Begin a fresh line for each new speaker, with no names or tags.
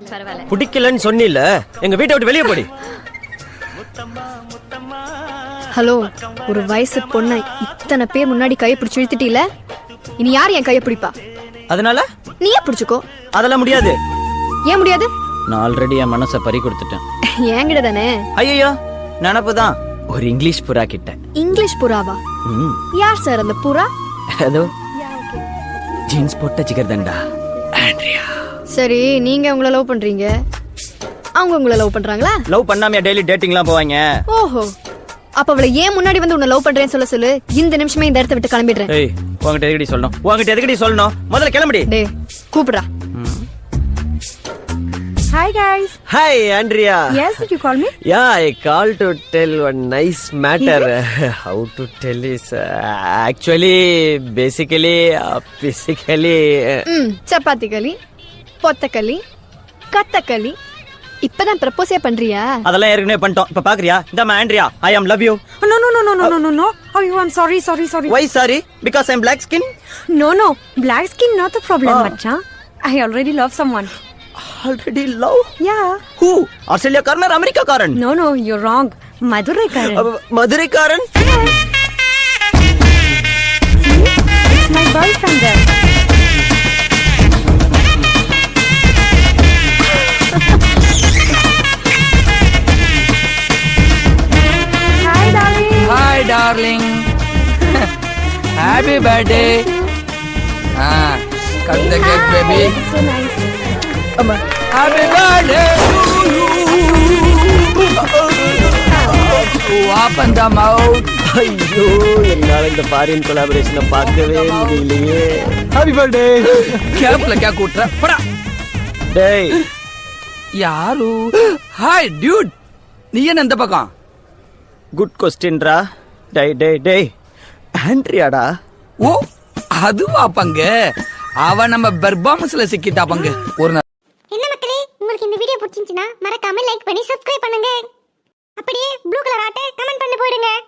பரவாயில்ல.
பிடிக்கலன்னு சொன்னில, எங்க வீட்டை விட்டு வெளியே போடி.
ஹலோ, ஒரு வயசு பொண்ணை இத்தனை பேர் முன்னாடி கையை பிடிச்சு இழுத்துட்டீல, இனி யார் என் கையை பிடிப்பா?
அதனால
நீயே பிடிச்சுக்கோ.
அதெல்லாம் முடியாது.
ஏன் முடியாது?
நான் ஆல்ரெடி என் மனசை பறி கொடுத்துட்டேன்.
என்கிட்ட தானே.
ஐயோ, நினப்புதான். ஒரு இங்கிலீஷ் புறா கிட்ட.
இங்கிலீஷ் புறாவா? யார் சார் அந்த புறா?
அதோ ஜீன்ஸ் போட்ட ஜிகர்தண்டா ஆண்ட்ரியா.
சரி, நீங்க உங்களை லவ் பண்றீங்க, அவங்க உங்களை லவ் பண்றாங்களா?
லவ் பண்ணாம டெய்லி டேட்டிங்லாம் போவாங்க.
ஓஹோ, அப்ப அவளை ஏன் முன்னாடி வந்து உன்னை லவ் பண்றேன்னு சொல்ல சொல்லு. இந்த நிமிஷமே இந்த இடத்த விட்டு கிளம்பிடுறேன்.
ஏய், உன்கிட்ட எதுக்கடி சொல்லணும்? உன்கிட்ட எதுக்கடி சொல்லணும்? முதல்ல கிளம்படி.
டேய், கூப்பிடுறா.
Hi guys.
Hi Andrea.
Yes, did you call me?
Yeah, I called to tell one nice matter. How to tell is actually, basically, physically.
Chapati களி, பொத்தக்களி, கத்தக்களி, இப்பதான் ப்ரப்போஸே பண்றியா?
அதெல்லாம் ஏற்கனவே பண்ணிட்டோம். இப்ப பாக்குறியா? இந்த Andrea, I am love you.
No. Oh, I'm sorry.
Why sorry? Because I'm black skin?
No. Black skin not the problem, Macha. I already love someone.
Already love?
Yeah.
Who? Australia Karan or America Karan?
No, you're wrong. Madurai Karan.
Madurai Karan?
See? It's my boyfriend there.
Hi darling. Happy birthday. Cut the cake, baby.
So nice.
Happy birthday to you. Open the mouth.
ஐயோ, என்னால இந்த foreign கொலாபரேஷனை பார்க்கவே முடியலையே.
Happy birthday. கேப்ல क्या கூட்ற? போடா.
டேய்,
யாரு? Hi dude. நீ என்ன இந்த பக்கம்?
குட் கொஸ்டின்டா. டேய் ஆண்ட்ரியாடா.
ஓ, அதுவா பங்க. அவ நம்ம பெர்பாமஸ்ல சிக்கிட்டா பங்க. ஒரு
என்ன மக்களே, உங்களுக்கு இந்த வீடியோ பிடிச்சிருந்துச்சுன்னா மறக்காம லைக் பண்ணி சப்ஸ்கிரைப் பண்ணுங்க. அப்படியே ப்ளூ கலர் ஆட்ட கமெண்ட் பண்ணி போயிடுங்க.